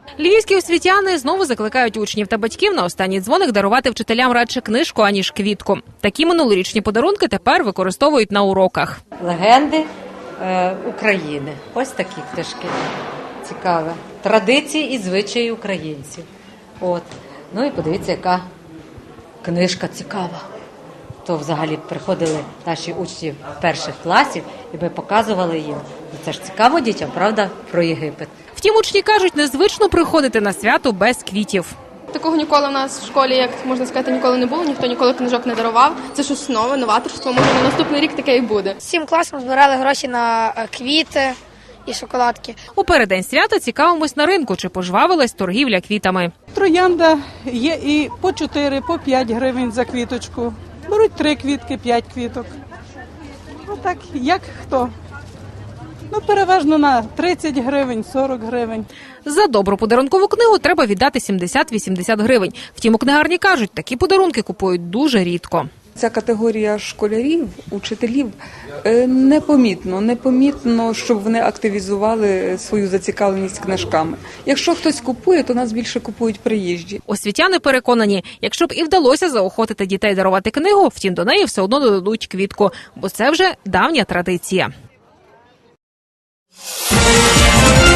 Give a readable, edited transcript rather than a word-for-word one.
Львівські освітяни знову закликають учнів та батьків на останній дзвоник дарувати вчителям радше книжку, аніж квітку. Такі минулорічні подарунки тепер використовують на уроках. Легенди України. Ось такі книжки. Цікаве. Традиції і звичаї українців. От. Ну і подивіться, яка книжка цікава. То взагалі приходили наші учні перших класів, і ми показували їм. Це ж цікаво дітям, правда, про Єгипет. Втім, учні кажуть, незвично приходити на свято без квітів. Такого ніколи в нас в школі, як можна сказати, ніколи не було, ніхто ніколи книжок не дарував. Це щось нове, новаторство, може на наступний рік таке і буде. Всім класом збирали гроші на квіти і шоколадки. У переддень свята цікавимось на ринку, чи пожвавилась торгівля квітами. Троянда є і по 4, по 5 гривень за квіточку. Беруть 3 квітки, 5 квіток. Отак, як хто. Ну, переважно на 30 гривень, 40 гривень. За добру подарункову книгу треба віддати 70-80 гривень. Втім, у книгарні кажуть, такі подарунки купують дуже рідко. Ця категорія школярів, учителів непомітно, щоб вони активізували свою зацікавленість книжками. Якщо хтось купує, то нас більше купують приїжджі. Освітяни переконані, якщо б і вдалося заохотити дітей дарувати книгу, втім до неї все одно додадуть квітку, бо це вже давня традиція.